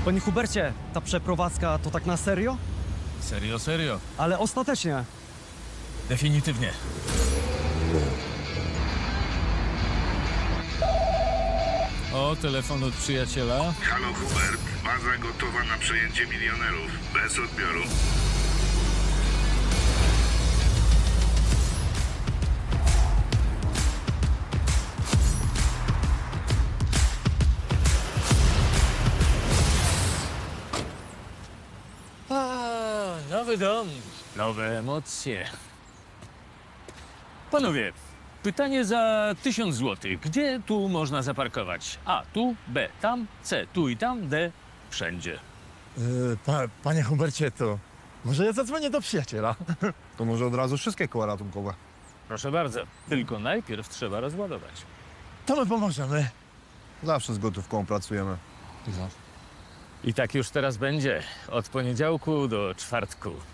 Panie Hubercie, ta przeprowadzka to tak na serio? Serio, serio. Ale ostatecznie. Definitywnie. O, telefon od przyjaciela. Halo Hubert, baza gotowa na przejęcie milionerów. Bez odbioru. Nowy dom, nowe emocje. Panowie, pytanie za 1000 zł. Gdzie tu można zaparkować? A, tu, B, tam, C, tu i tam, D, wszędzie. Panie Hubercie, to może ja zadzwonię do przyjaciela. To może od razu wszystkie koła ratunkowe. Proszę bardzo, tylko najpierw trzeba rozładować. To my pomożemy. Zawsze z gotówką pracujemy. I tak już teraz będzie, od poniedziałku do czwartku.